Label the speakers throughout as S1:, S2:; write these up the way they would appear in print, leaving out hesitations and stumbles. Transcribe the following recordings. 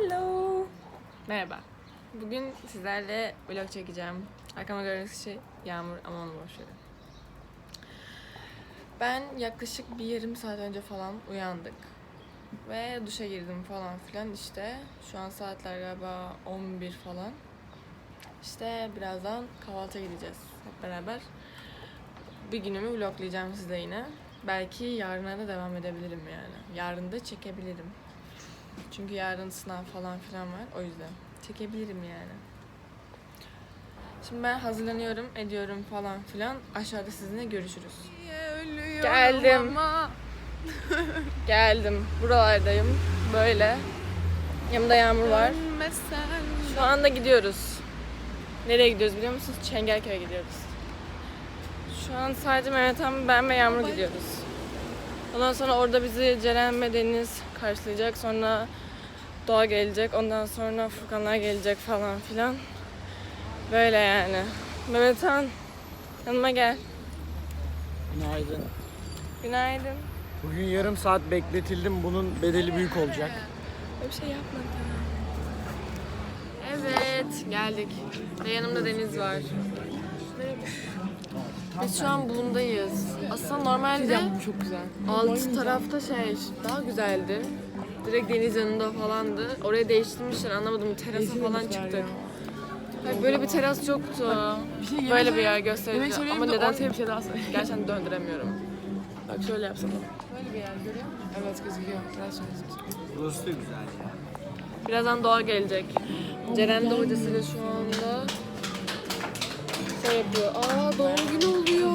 S1: Hello. Merhaba. Bugün sizlerle vlog çekeceğim. Arkama gördüğünüz şey Yağmur ama onu boş verin. Ben yaklaşık bir yarım saat önce falan uyandık. Ve duşa girdim falan filan işte. Şu an saatler galiba 11 falan. İşte birazdan kahvaltıya gideceğiz hep beraber. Bir günümü vloglayacağım size yine. Belki yarına da devam edebilirim yani. Yarın da çekebilirim. Çünkü yarın sınav falan filan var. O yüzden çekebilirim yani. Şimdi ben hazırlanıyorum, ediyorum falan filan. Aşağıda sizinle görüşürüz. Geldim. Geldim. Buralardayım. Böyle. Yanımda Yağmur var. Şu anda gidiyoruz. Nereye gidiyoruz biliyor musunuz? Çengelköy'e gidiyoruz. Şu an sadece Mehmet abi, ben ve Yağmur gidiyoruz. Ondan sonra orada bizi Ceren ve Deniz karşılayacak. Sonra Doğa gelecek. Ondan sonra Furkanlar gelecek falan filan. Böyle yani. Mehmet Han, yanıma gel.
S2: Günaydın.
S1: Günaydın.
S2: Bugün yarım saat bekletildim. Bunun bedeli büyük olacak.
S1: Öyle bir şey yapmadım. Evet, geldik. Ve yanımda Deniz var. Biz şu an Bulun'dayız. Aslında normalde
S2: Çok güzel.
S1: alt tarafta daha güzeldi. Direkt deniz yanında falandı. Oraya değiştirmişler, anlamadım. Terasa falan çıktık. Hayır, böyle bir teras yoktu. Böyle bir yer gösterici. Ama neden
S3: bir şey daha söyle.
S1: gerçekten döndüremiyorum.
S3: Bak şöyle yapsana.
S1: Böyle bir yer görüyor musun?
S3: Evet gözüküyor. Biraz şöyle gözüküyor.
S2: Burası da güzel ya.
S1: Birazdan Doğa gelecek. Ceren de hocasıyla şu anda yapıyor. Aa, doğum günü oluyor.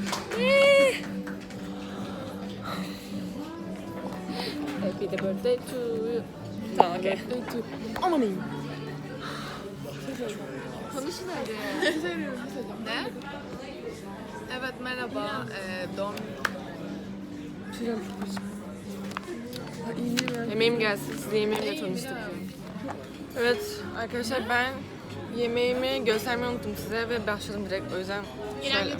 S1: Happy the birthday to you. Tamam, okey.
S3: Aman iyiyim.
S4: Konuşun hadi. Ne? Evet merhaba. Doğum
S1: Yemeğim gelsin. Size yemeğimle tanıştık. Evet arkadaşlar, ben yemeğimi göstermeyi unuttum size ve başladım direkt. O yüzden şöyle.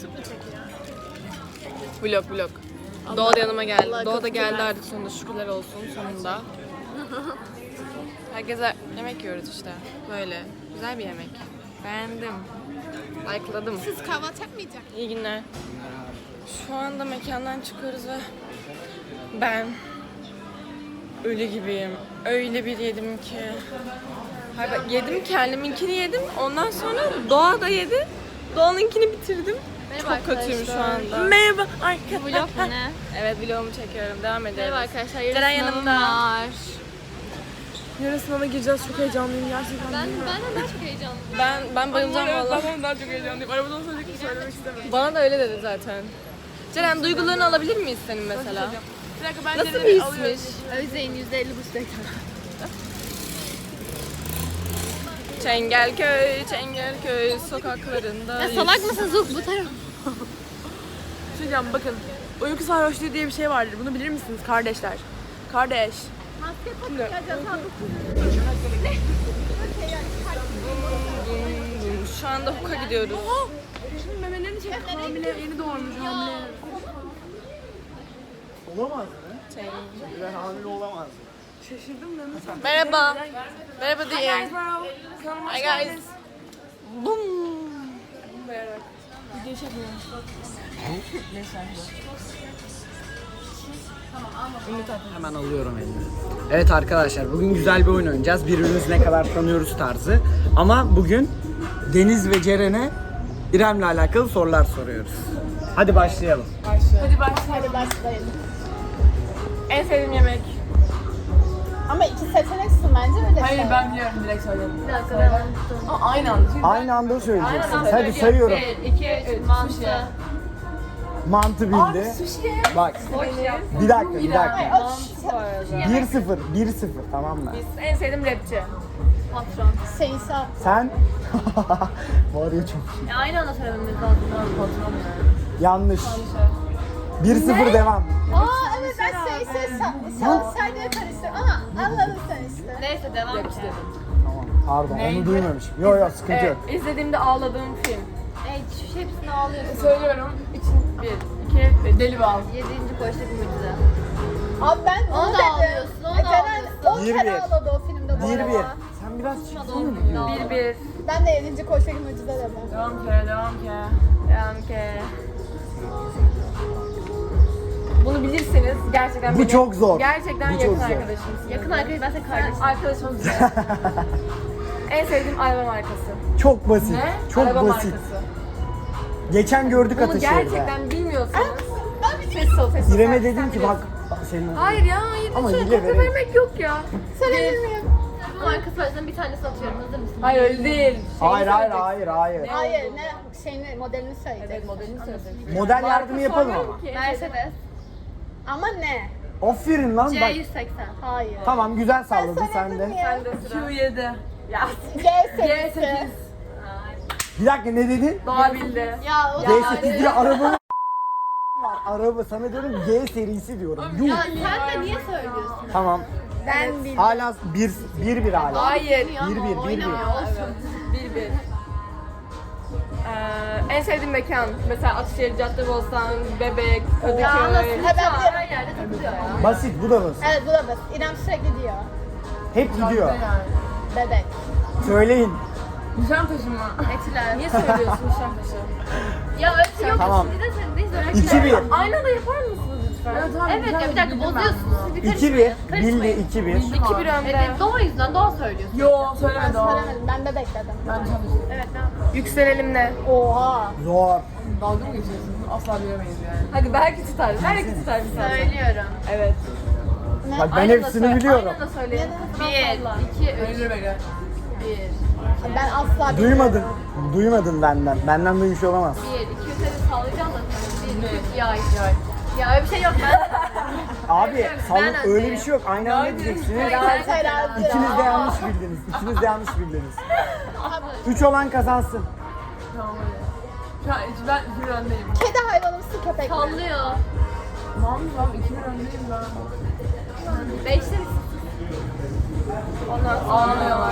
S1: Vlog. Doğa da yanıma geldi. Doğa da geldi artık sonunda, şükürler olsun sonunda. Herkese yemek yiyoruz işte. Böyle. Güzel bir yemek. Beğendim. Like'ladım.
S4: Siz kahvaltı yapmayacak.
S1: İyi günler. Şu anda mekandan çıkıyoruz ve ben ölü gibiyim. Öyle bir yedim ki. Hayır, bak, yedim, kendiminkini yedim. Ondan sonra Doğa da yedi. Doğan'ınkini bitirdim.
S4: Merhaba
S1: Çok kötüyüm şu anda.
S3: Merhaba arkadaşlar.
S4: Vlog mu ne?
S1: Evet, vlogumu çekiyorum. Devam edelim.
S4: Merhaba arkadaşlar.
S1: Ceren yanımda.
S4: Var.
S3: Yarın sınava gireceğiz. Çok heyecanlıyım gerçekten.
S4: Ben de daha çok heyecanlıyım.
S1: Ben bayılacağım valla.
S3: Ben daha çok heyecanlıyım. Arabadan söyleyecek söylemek istemiyorum.
S1: Bana da öyle dedi zaten. Ceren, duygularını alabilir miyiz senin mesela?
S3: Bir dakika ben
S1: Nasıl bir
S3: Ceren'i alıyorum.
S1: hismiş?
S4: Özdeğin %50 bu
S1: Çengelköy sokaklarında.
S4: Ya salak mısın Zuk bu taraf?
S3: Bir şey diyeceğim bakın. Uyku sarhoşluğu diye bir şey vardır. Bunu bilir misiniz kardeşler? Kardeş.
S1: Şu anda Huk'a gidiyoruz.
S3: Şimdi memelerini çek. Hamile, yeni doğurmuş hamile.
S2: Olamaz mı? Ben hamile olamaz.
S3: Şaşırdım da nasıl?
S1: Merhaba. Merhaba diyeyim.
S3: Bro.
S1: Hi guys. Boom.
S3: Video çekmiyorum.
S2: Hemen alıyorum elini. Evet arkadaşlar, bugün güzel bir oyun oynayacağız. Birbirimizi ne kadar tanıyoruz tarzı. Ama bugün Deniz ve Ceren'e İrem'le alakalı sorular soruyoruz. Hadi başlayalım.
S3: Hadi başlayalım.
S1: En sevdiğim yemek.
S5: Ama iki seçeneksin bence öyle
S3: Hayır
S5: söyle.
S3: ben biliyorum direkt söyledim. Bir dakika. Aynı anda. Şimdi
S2: Aynı anda söyleyeceksiniz. Hadi sayıyorum.
S3: 2, 3, mantı.
S2: Mantı bildi. Bak. Bir dakika. 1-0. 1-0 tamam mı?
S1: En sevdiğim rapçi.
S5: Seysa.
S2: Sen? Var ya çok iyi.
S1: Aynı anda söylememiz lazım. Patron
S2: Yanlış. 1-0 devam.
S5: Aa evet ben Seysa Sayda'ya karıştırdım ama anladın sen işte.
S4: Neyse devam et.
S2: Tamam. Pardon onu duymamışım. Yok sıkıntı yok.
S1: İzlediğimde ağladığım film.
S4: Şu hepsini ağlıyorsun.
S1: Söylüyorum. 1, 2, 3.
S3: deli bal.
S4: 7. koğuştaki mucize.
S5: Abi ben
S4: Onu
S5: onu
S4: da
S5: dedim.
S4: ağlıyorsun, onu da
S5: Ceren
S4: ağlıyorsun.
S5: 10 kere
S2: 21.
S5: ağladı o filmde
S2: 1-1. Sen biraz çıksana mı?
S1: 1-1.
S5: Ben de 7. koşarım ucuza dedim.
S3: Devam ki.
S1: Devam ki. Bunu bilirseniz gerçekten
S2: Bu
S1: benim-
S2: çok zor.
S1: Gerçekten
S2: Bu
S1: yakın
S2: çok zor.
S1: arkadaşımsınız.
S4: Yakın arkadaş, ben senin kardeşim.
S1: Arkadaşımız. En sevdiğim araba markası.
S2: Çok basit. Çok
S1: araba
S2: basit.
S1: markası.
S2: Geçen gördük
S1: Bunu
S2: Ataşehir'de.
S1: gerçekten bilmiyorsanız ses ol, ses ol.
S2: İrem'e
S1: Sen
S2: dedim ki bak
S1: biliyorsun.
S2: senin
S1: Hayır ya, hayır.
S2: Ama
S1: Şöyle
S2: hile
S1: kopya
S2: verelim.
S1: vermek yok ya.
S5: Söyleyebilir miyim?
S4: Bu marka söylesem bir tane satıyorum. Hazır mısın?
S1: Hayır öyle değil.
S2: Hayır hayır.
S5: Hayır, ne şeyini, modelini söyleyecek.
S1: Evet, modelini söyleyecek.
S2: Model yardımı yapalım ama.
S4: Mercedes.
S5: Ama ne?
S2: Aferin lan bak.
S4: C180.
S5: Hayır.
S2: Tamam güzel salladın sen
S5: Söyledim
S2: de.
S5: ya.
S1: Sen de sıra.
S3: Q7.
S1: Ya,
S5: G serisi.
S1: G8.
S2: Bir dakika ne dedin?
S1: Doğa bildi.
S5: Ya o
S2: G8 diye araba var. Araba sana diyorum G serisi diyorum. Yuh.
S4: Ya sen de niye söylüyorsun?
S2: Tamam.
S5: ben bildim.
S2: Hala 1-1 hala.
S1: Hayır.
S2: 1-1.
S4: Oynamıyor olsun.
S1: 1-1. En sevdiğim mekan. Mesela Ataşehir, Caddebostan, Bebek, Kadıköy.
S5: Ya nasıl? Ha, ben biliyorum.
S4: Her yerde takılıyor ya.
S2: Basit bu da basit.
S5: Evet, bu da basit. İrem sürekli diyor.
S2: Hep gidiyor.
S5: Bebek.
S2: Söyleyin.
S3: Nişantaşı mı?
S4: Etiler.
S1: Niye söylüyorsun Nişantaşı?
S4: Ya öyle bir şey yok.
S2: Tamam.
S4: Şimdi de sen neyiz öyle?
S2: 2-1.
S1: Aynı anda yapar mısınız lütfen?
S4: Evet ya bir dakika bozuyorsunuz. Siz bir
S2: 2-1.
S4: karışmayın.
S2: Bildi 2-1.
S1: 2-1 önde.
S4: Evet, Doğa yüzünden Doğa söylüyorsun.
S3: Yo
S5: Ben
S3: söylemedi o.
S5: söylemedim. Ben bebek dedim.
S3: Ben çalıştım.
S4: Evet ne yapalım?
S1: Yükselelim ne?
S5: Oha.
S2: Zor.
S3: Dalga mı geçiyorsun? Asla bilemeyiz yani.
S1: Hadi belki tutar. Belki tutar bir tane.
S4: Söylüyorum.
S1: Evet.
S2: Bak ben
S1: Aynı anda
S2: hepsini
S1: söyle-
S2: biliyorum.
S1: Aynı anda söyleyin.
S4: 1, 2, 3,
S3: Öyle be.
S4: 1.
S5: Ben asla bilmiyorum.
S2: Duymadın. Duymadın benden. Benden duymuş olamaz.
S4: 1, 2, 3 hadi sallayacağım da sana. 1, 2, 3 yay. Ya öyle bir şey yok ben.
S2: Abi salın
S4: Ben
S2: öyle bir
S4: öndeyim.
S2: şey yok. Aynı anda diyeceksiniz.
S5: Terazi.
S2: İkiniz de yanlış bildiniz. İkiniz de yanlış bildiniz. 3 olan kazansın.
S3: Tamam öyle. Şu an ben 2-1 öndeyim.
S5: Kedi hayvanımsı köpek.
S4: Sallıyor.
S3: Tamam 2-1 öndeyim ben.
S4: 5'te misin?
S1: Ondan sonra
S3: Ağlamıyorlar.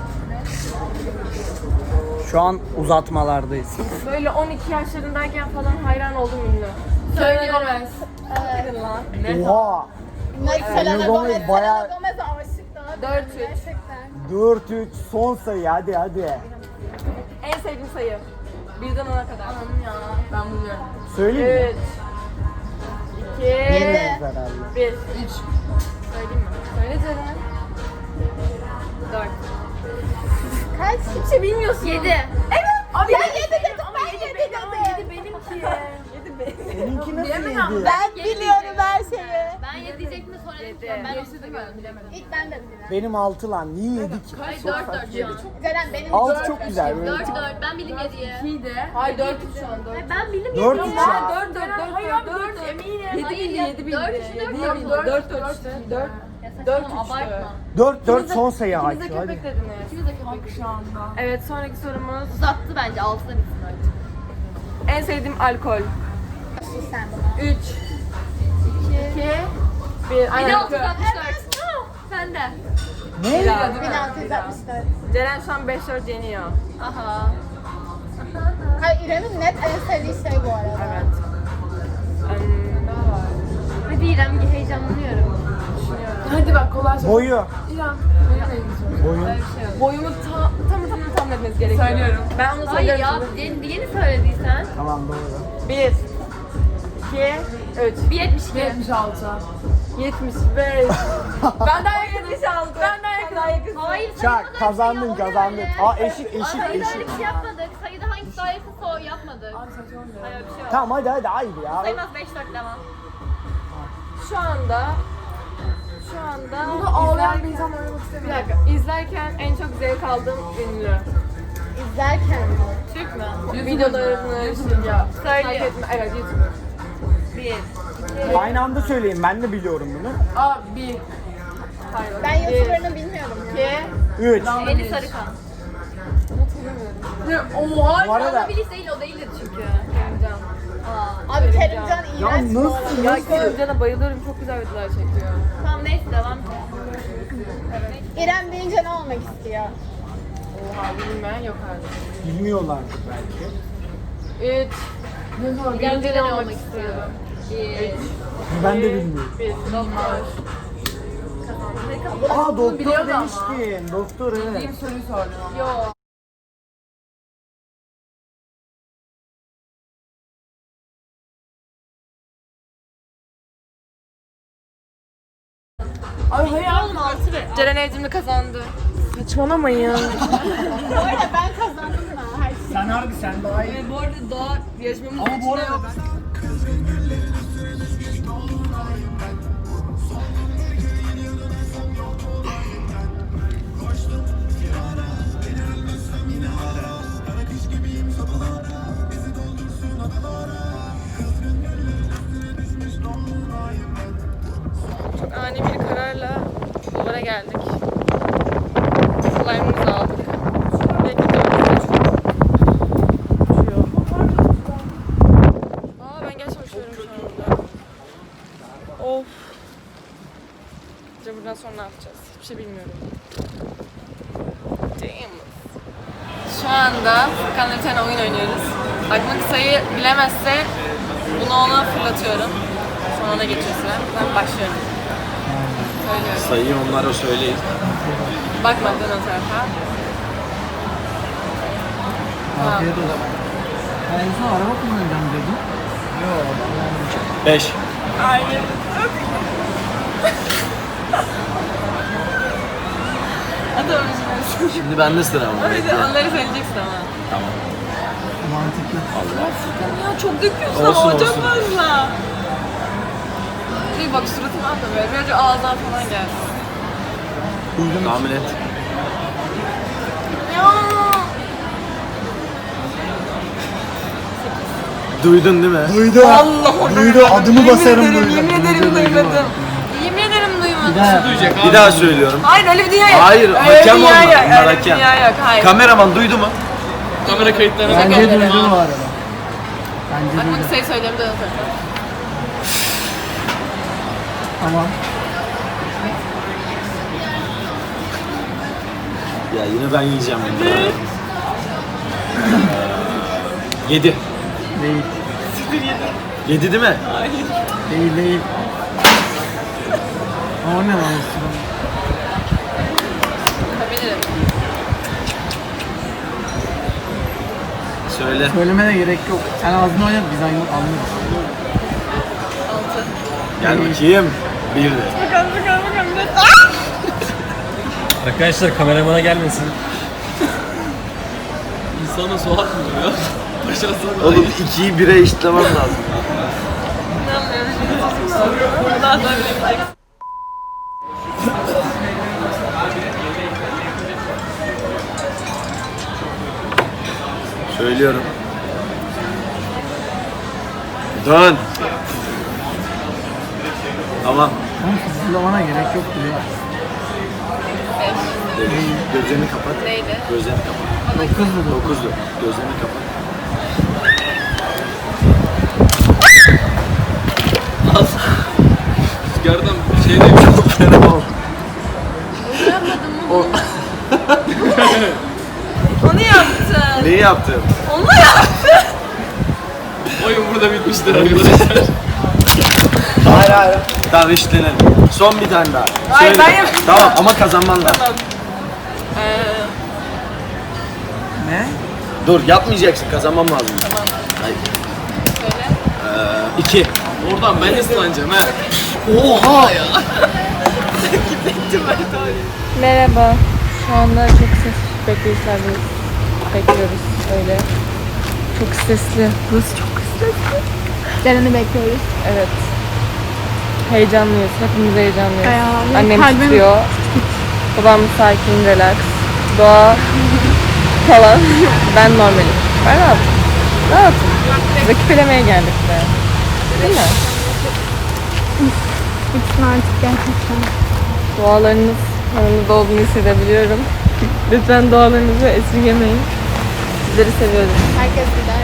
S2: Şu an uzatmalardayız.
S1: böyle 12 yaşlarındayken falan hayran oldum ünlü.
S4: Söylüyorum.
S1: Gidin lan.
S2: Oha.
S5: Selena Gomez.
S2: Gomez bayağı-
S5: Selena Gomez'e aşık daha.
S1: 4-3.
S5: Gerçekten.
S2: 4-3 son sayı hadi hadi.
S1: En sevdiğim sayı. 1'den 10'a kadar.
S3: Ben buluyorum.
S2: Söyleyeyim mi?
S1: 3 2
S2: Bilmiyoruz herhalde.
S1: 1
S3: 3.
S1: Söyleyeyim mi? Söyle Ceren. 4
S5: Kaç?
S1: Hiçbir şey bilmiyorsun.
S4: 7.
S5: Abi ben 7 dedim. Ben 7 dedim.
S1: benimki. 7 benim.
S2: Seninki nasıl yedi?
S5: Ben biliyorum her şeyi.
S4: Ben 7 diyecektim de sonra dedim ki ben 6 diyorum bilemedim.
S5: İlk ben dedim.
S2: Benim 6 lan. Niye yedik ki?
S4: Ay 4 şu an.
S5: Ceren benim
S2: 6 çok güzel böyle.
S4: 4 ben bildim 7'yi.
S3: 2 de.
S1: Hayır 4 şu an 4.
S4: Ben bildim
S2: 4
S4: 7'yi.
S2: 3 ya.
S1: 4 4 4
S3: eminim.
S1: 7 bildi 7 bildi.
S4: Dört,
S1: 7
S4: dört,
S1: bildi.
S4: dört,
S1: 4 4 işte. 4
S4: Ya
S1: 4
S4: saçmalama,
S1: 3
S4: abartma.
S2: 4 son sayı
S1: İkiniz de
S2: IQ
S1: köpek
S2: hadi.
S1: dediniz.
S4: İkimiz de köpek.
S3: Şu anda.
S1: Evet sonraki sorumuz.
S4: Uzattı bence 6'da bitsin artık.
S1: En sevdiğim alkol.
S5: sen buna.
S1: 3 2 1 Aynen.
S4: 1664. Sen de.
S2: Ne?
S5: 1664.
S1: Ceren şu an 5-4 yeniyor.
S4: Aha.
S5: Hayır İrem'in net en sevdiği şey bu arada.
S1: Evet.
S4: Hadi İrem heyecanlanıyorum.
S3: Hadi bak kolay sor.
S2: Boyu.
S3: İrem. Benimle ilgili sor.
S2: Boyun.
S1: Boyumu tam etmeniz gerekiyor.
S3: Söylüyorum.
S1: Ben onu
S4: Hayır
S1: söylüyorum.
S4: ya yeni söylediysen.
S2: Tamam doğru.
S1: 1 2 3
S4: 1.72.
S3: 76.
S1: 75 Ben daha yakın 76 Ben daha yakın.
S4: Hayır sayıda
S2: Çak
S4: öyle bir
S2: kazandın
S4: şey yok,
S2: kazandın.
S4: öyle.
S2: Aa eşit
S4: Sayıda öyle
S2: eşit.
S4: bir şey yapmadık. Sayıda hangisi daha yakınsa o yapmadık.
S3: Abi saçmalama.
S4: Hayır öyle bir şey yok.
S2: Tamam hadi hayır ya.
S4: Sayılmaz 5-4 devam.
S1: Şu anda
S3: Burada ağlayan bir insan oynamak
S1: bir
S3: istemiyor.
S1: dakika izlerken en çok zevk aldığım ünlü.
S5: İzlerken.
S4: Türk mü?
S1: Videolarını ya takip
S4: Söylüyor.
S1: etme. Evet YouTuber.
S4: 1.
S2: Aynı anda söyleyin ben de biliyorum bunu.
S3: Aa 1.
S1: Hayır.
S5: Ben YouTuber'ını bilmiyorum ya.
S2: 3.
S4: Eli Sarıkan.
S3: Oha.
S2: Bu arada
S4: Bilis değil o değildir çünkü.
S1: Kerimcan.
S5: Abi Kerimcan
S2: ya
S5: iğrenç bu arada.
S2: nasıl
S1: Ya
S2: nasıl?
S1: Kerimcan'a bayılıyorum. Çok güzel videolar çekiyor.
S4: Tamam neyse devam et.
S5: İrem deyince ne olmak istiyor?
S1: Oha bilmeyen yok artık.
S2: Bilmiyorlardır belki.
S1: 3
S3: Ne zaman
S1: Gelince ne olmak istiyorum?
S4: 1.
S2: Ben de bilmiyorum.
S1: 1 Doktor.
S2: Aa doktor demiştin. Doktor evet.
S3: Soruyu sordum.
S4: Yok.
S3: Ay hayır oğlum.
S1: Ceren Evcimli kazandı.
S3: Saçmalamayın ya.
S5: Bu arada ben kazandım mı? Her şey.
S2: Sen harbi sen daha iyi.
S3: Bu arada doğa yarışmamız
S2: Ama bu arada
S1: Çok ani bir kararla buralara geldik. Slime'ımızı aldık. Ve gidiyoruz. Uçuyor. Aa ben gerçekten uçuyorum şu anda. Of. Acaba buradan sonra ne yapacağız? Hiçbir şey bilmiyorum. Damn. Şu anda Furkan'la bir tane oyun oynuyoruz. Aklımdaki sayıyı bilemezse bunu ona fırlatıyorum. Sonra ona geçiyor sıra. Ben başlıyorum. Söylüyorum.
S6: Sayıyı onlara söyleyin.
S1: Bakma dön o tarafa.
S2: afiyet o zaman. Ben en son araba kullanacağım dedim. Yok.
S6: 5.
S1: Hayır. Atamayacağız.
S6: Şimdi bende sıra ama.
S1: Öyle onları söyleyeceksin ama.
S6: Tamam.
S2: Mantıklı.
S1: Ya çok döküyorsun
S6: Olsun,
S1: ama çok
S6: olsun.
S1: fazla. Bak suratını atma böyle. Birazcık ağızdan falan gelsin.
S6: Tahmin et.
S1: Ya.
S6: Duydun değil mi?
S2: Duydu.
S1: Allah
S2: Duydu. Adımı basarım
S1: ederim,
S2: duydu.
S1: yemin ederim duymadım. Yemin ederim duymadım.
S6: Bir daha söylüyorum.
S1: Hayır öyle bir dünya yok.
S6: Hayır,
S1: Öyle
S6: hakem
S1: bir dünya
S6: onlar,
S1: yok,
S6: bunlar
S1: öyle bir
S6: hakem.
S1: dünya yok. Hayır.
S6: Kameraman duydu mu?
S1: Kamera kayıtlarına
S2: Bence
S1: ederim.
S2: duydu bu arada. Bence
S1: Bak
S2: duydu.
S1: bunu sayı söyleyeyim de unutma.
S2: Tamam.
S6: Ya yine ben yiyeceğim bunu. 7.
S2: Değil.
S6: 7 değil mi?
S2: Değil değil. Ama o ne lan sıra?
S1: Yapabilirim.
S6: Söyle.
S2: Söylemene gerek yok. Sen ağzını oynat biz anlıyoruz.
S1: 6.
S6: Gel bakayım. 1 de.
S1: Bakalım.
S7: Arkadaşlar kameramana gelmesin.
S8: İnsana su atmıyor ya. Başarısına
S6: Oğlum 2'yi 1'e eşitlemem lazım.
S1: İnanmıyorum. Daha sonra bilemeyeceksin.
S6: Söylüyorum. Dön. Tamam.
S2: Oğlum fısıldamana gerek yok diyor.
S6: Gözlerini kapat.
S1: Neydi?
S6: Gözlerini kapat. 9'du. Gözlerini kapat.
S8: Rüzgardan bir şey değil.
S1: Onu yaptın.
S6: Neyi yaptım?
S1: Onu yaptın.
S8: Oyun burada bitmiştir arkadaşlar.
S6: Hayır. Tamam eşitlenelim. Son bir tane daha.
S1: Hayır,
S6: Söyle.
S1: ben yapayım.
S6: Tamam ama kazanman lazım.
S2: Ne?
S6: Dur yapmayacaksın. Kazanmam lazım. Tamam. Hayır.
S1: Söyle.
S6: 2.
S8: Oradan ben ıslanacağım ha.
S6: Oha ya.
S1: Merhaba. Şu anda çok ses bekleyişlerdeyiz. Bekliyoruz öyle. Çok stresli. Burası çok stresli.
S5: Ceren'i bekliyoruz.
S1: Evet. Heyecanlıyız. Hepimiz heyecanlıyız.
S5: Bayağı.
S1: Annem
S5: Kalbim-
S1: titriyor. Babam sakin, relax. Doğa falan. Ben normalim. Ben rahatım. Rahatım. Rakip elemeye geldik be. Değil mi?
S5: Bitsin artık gerçekten.
S1: Dualarınız yanımızda olduğunu hissedebiliyorum. Lütfen dualarınızı esirgemeyin. Sizleri seviyorum.
S5: Herkes gider.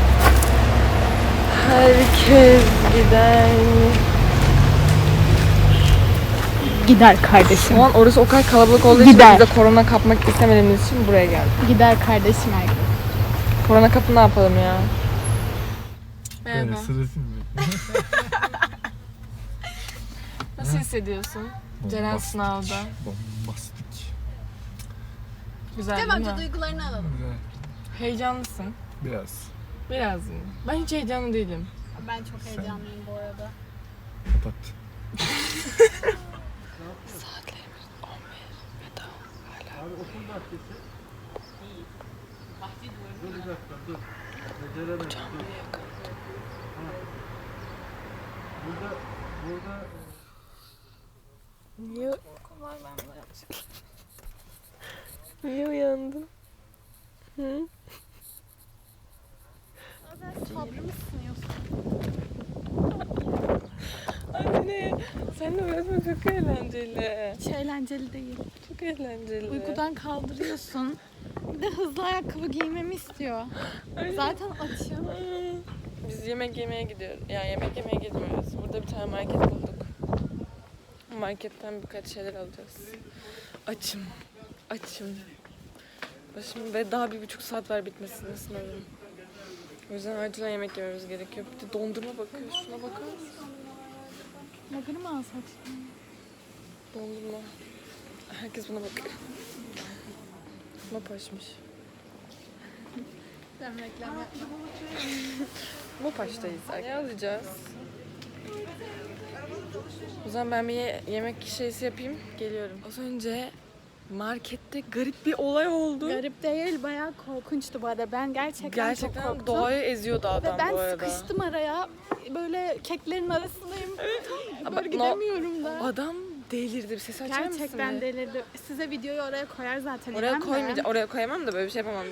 S1: Herkes gider.
S5: Gider kardeşim.
S1: Şu an orası o kadar kalabalık olduğu için
S5: Gider.
S1: biz de korona kapmak istemediğimiz için buraya geldik.
S5: Gider kardeşim herkes.
S1: Korona kapı ne yapalım ya? Merhaba. Nasıl hissediyorsun? Ceren sınavda.
S7: Bombastik.
S1: Güzel
S5: Cem
S1: değil
S5: amca
S1: mi?
S5: duygularını alalım.
S1: Heyecanlısın.
S7: Biraz.
S1: Biraz mı? Ben hiç heyecanlı değilim.
S5: Ben çok heyecanlıyım bu arada.
S7: Kapat.
S1: Saatlerimiz 11 ve daha hala. Niye? Niye uyandın? Hı?
S5: Sabrımı sınıyorsun.
S1: Anne, seninle uğraşmak çok eğlenceli.
S5: Hiç eğlenceli değil.
S1: Çok eğlenceli.
S5: Uykudan kaldırıyorsun. Bir de hızlı ayakkabı giymemi istiyor. Zaten açım.
S1: Biz yemek yemeye gidiyoruz. Yani yemek yemeye gitmiyoruz. Burada bir tane market bulduk. Marketten birkaç şeyler alacağız. Açım. Açım. Başım ve daha 1,5 saat var bitmesine sınavım. O yüzden acilen yemek yememiz gerekiyor. Bir de dondurma bakıyor. Şuna bakar mısın?
S5: Magını mı alsak?
S1: Dondurma. Herkes buna bakıyor. Mopaşmış.
S5: Ben reklam yapma.
S1: Mopaş'tayız. Ne alacağız? O zaman ben bir yemek şeysi yapayım. Geliyorum. Az önce markette garip bir olay oldu.
S5: Garip değil, bayağı korkunçtu bu arada. Ben gerçekten çok
S1: Gerçekten
S5: korktum.
S1: doğayı eziyordu adam
S5: Ve ben
S1: bu arada.
S5: sıkıştım araya. Böyle keklerin arasındayım.
S1: Ama
S5: Böyle gidemiyorum da.
S1: Adam delirdi. Bir ses açar mısın?
S5: Gerçekten
S1: bir?
S5: delirdi. Size videoyu oraya koyar zaten.
S1: Oraya
S5: İrem de.
S1: koymayacağım. Oraya koyamam da böyle bir şey yapamam.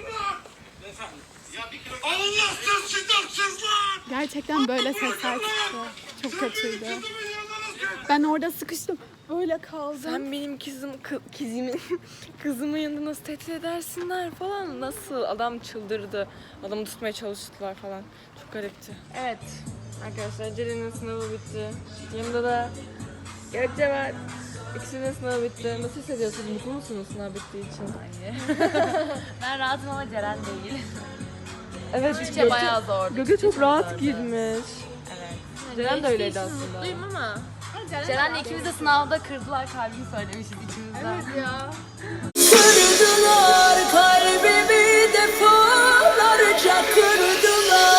S5: Gerçekten böyle sesler çıktı. Çok kötüydü. Ben orada sıkıştım. Böyle kaldım.
S1: Sen benim kızımın yanında nasıl tehdit edersinler falan. Nasıl? Adam çıldırdı. Adamı tutmaya çalıştılar falan. Çok garipti. Evet. Arkadaşlar Ceren'in sınavı bitti. Yanımda da Gökçe var. İkisinin sınavı bitti. Nasıl hissediyorsunuz? Mutlu musunuz sınav bittiği için?
S4: Ben rahatım ama Ceren değil.
S1: Evet.
S4: Türkçe bayağı zor.
S1: Gökçe çok rahat girmiş. Evet. Ceren de öyleydi aslında.
S4: Mutluyum ama. Ceren'le ikimiz de sınavda kırdılar kalbimi söylemişiz içimizden. Evet ya.
S9: Kırdılar kalbimi defalarca kırdılar.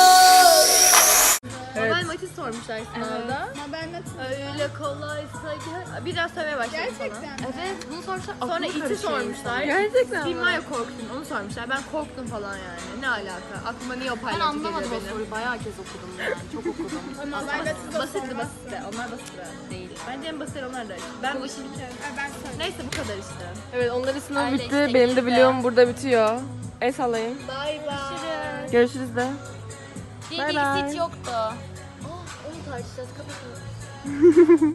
S4: Normal maçı sormuşlar sınavda. Öyle kolaysa gel. Biraz sevmeye başladım gerçekten falan. Evet bunu sormuşlar. Sonra iti sormuşlar.
S1: Gerçekten
S4: Kim var ya korktun onu sormuşlar. Ben korktum falan yani. Ne alaka? Aklıma niye o paylaştı geliyor benim. Ben anlamadım o soruyu. Bayağı kez okudum yani. Çok okudum. Basitti. Onlar basit değil. Bence en basit onlar da. Ben neyse bu kadar işte.
S1: Evet onların sınavı
S4: Öyle
S1: bitti.
S4: işte,
S1: Benim de
S4: işte.
S1: vlogum burada bitiyor. El sallayın.
S4: Bay bay.
S1: Görüşürüz de.
S4: Değil
S1: Bye bye.
S4: hiç yoktu. Onu tartışacağız. Kapatalım.